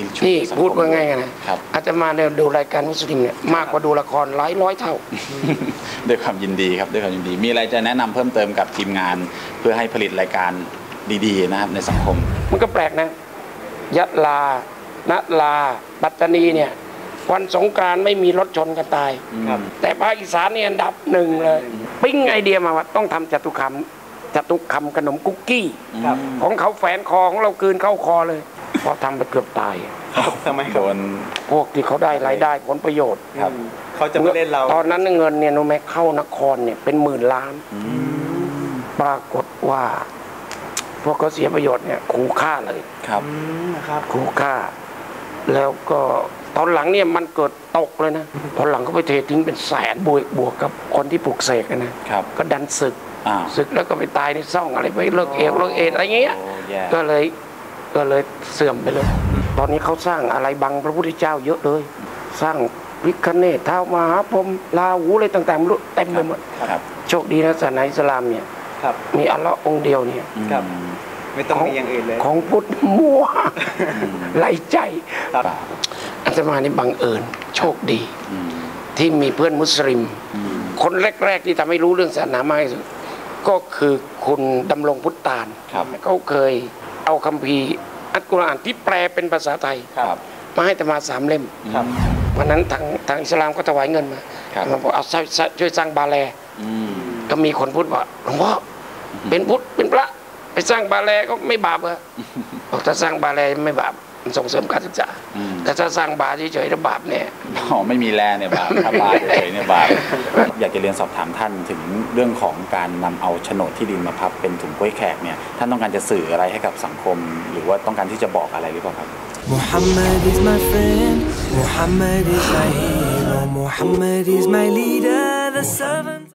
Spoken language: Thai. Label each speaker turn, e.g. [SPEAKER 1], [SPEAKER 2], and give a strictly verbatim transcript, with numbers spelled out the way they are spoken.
[SPEAKER 1] นี่พูดว่าไงกันนะอาจจะมาเนี่ยดูรายการมุสลิมเนี่ยมากกว่าดูละครหลายร้อยเท่า
[SPEAKER 2] ด้วยความยินดีครับด้วยความยินดีมีอะไรจะแนะนำเพิ่มเติมกับทีมงานเพื่อให้ผลิตรายการดีๆนะครับในสังคม
[SPEAKER 1] มันก็แปลกนะยะลานะลาปัตตานีเนี่ยวันสงกรานต์ไม่มีรถชนกันตายแต่ภาคอีสานเนี่ยอันดับหนึ่งเลยปิ้งไอเดียมาว่าต้องทำจตุคามจตุคามขนมคุกกี้ของเขาแฝนคอของเราคืนเข้าคอเลยพอทำไปเกือบตาย
[SPEAKER 3] ทำไมโดน
[SPEAKER 1] พวกที่เขาได้รายได้ผลประโยชน์
[SPEAKER 3] เขาจะมาเล่นเรา
[SPEAKER 1] ตอนนั้นเงินเนี่ยโนแมคเข้านครเนี่ยเป็นหมื่นล้านปรากฏว่าพวกเขาเสียประโยชน์เนี่ยขู่ฆ่าเลย
[SPEAKER 2] ครับ
[SPEAKER 1] ขู่ฆ่าแล้วก็ตอนหลังเนี่ยมันเกิดตกเลยนะตอนหลังก็ไปเททิ้งเป็นแสนบวกบวกกับคนที่ปลูกเสกนะก็ดันศึกศึกแล้วก็ไปตายในซ่องอะไรไปเลิกเอวเลิกเอดอะไรเงี้ยก็เลยก็เลยเสื่อมไปเลยตอนนี้เขาสร้างอะไรบังพระพุทธเจ้าเยอะเลยสร้างพิฆเนศท้าวมหาพรหมลาหูอะไรต่างๆรู้เต็มไปหมดโชคดีนะศาสนาอิสลามเนี่ยมีอัลลอฮ์องเดียวเนี่ย
[SPEAKER 3] ไม่ต้องมีอย่างอื่นเลย
[SPEAKER 1] ของพุทธมั่วไหลใจอาตมานี่บังเอิญโชคดีที่มีเพื่อนมุสลิมคนแรกๆที่ทำให้รู้เรื่องศาสนามากที่สุดก็คือคุณดำรงพุทธตาลเขาเคยเอาคัมภีร์อัลกุรอานที่แปลเป็นภาษาไทยมาให้อาตมาสามเล่มวันนั้นทางทางอิสลามก็ถวายเงินมามาบอกเอาช่วยสร้างบาแลก็มีคนพูดว่าหลวงพ่อเป็นพุทธเป็นพระไปสร้างบาแลก็ไม่บาปเหรอบอกถ้าสร้างบาแลไม่บาปมันส่งเสริมการศึกษาแต่ถ้าสร้างบาเฉยๆแล้วบาปเนี่ย
[SPEAKER 2] อ๋อไม่มีแลเนี่ยบาปถ้าบาเฉยๆเนี่ยบาปอยากจะเรียนสอบถามท่านถึงเรื่องของการนำเอาโฉนดที่ดินมาพับเป็นถุงกล้วยแขกเนี่ยท่านต้องการจะสื่ออะไรให้กับสังคมหรือว่าต้องการที่จะบอกอะไรหรือเปล่าครับ Muhammad is my friend Muhammad is my hero Muhammad is my leader the servant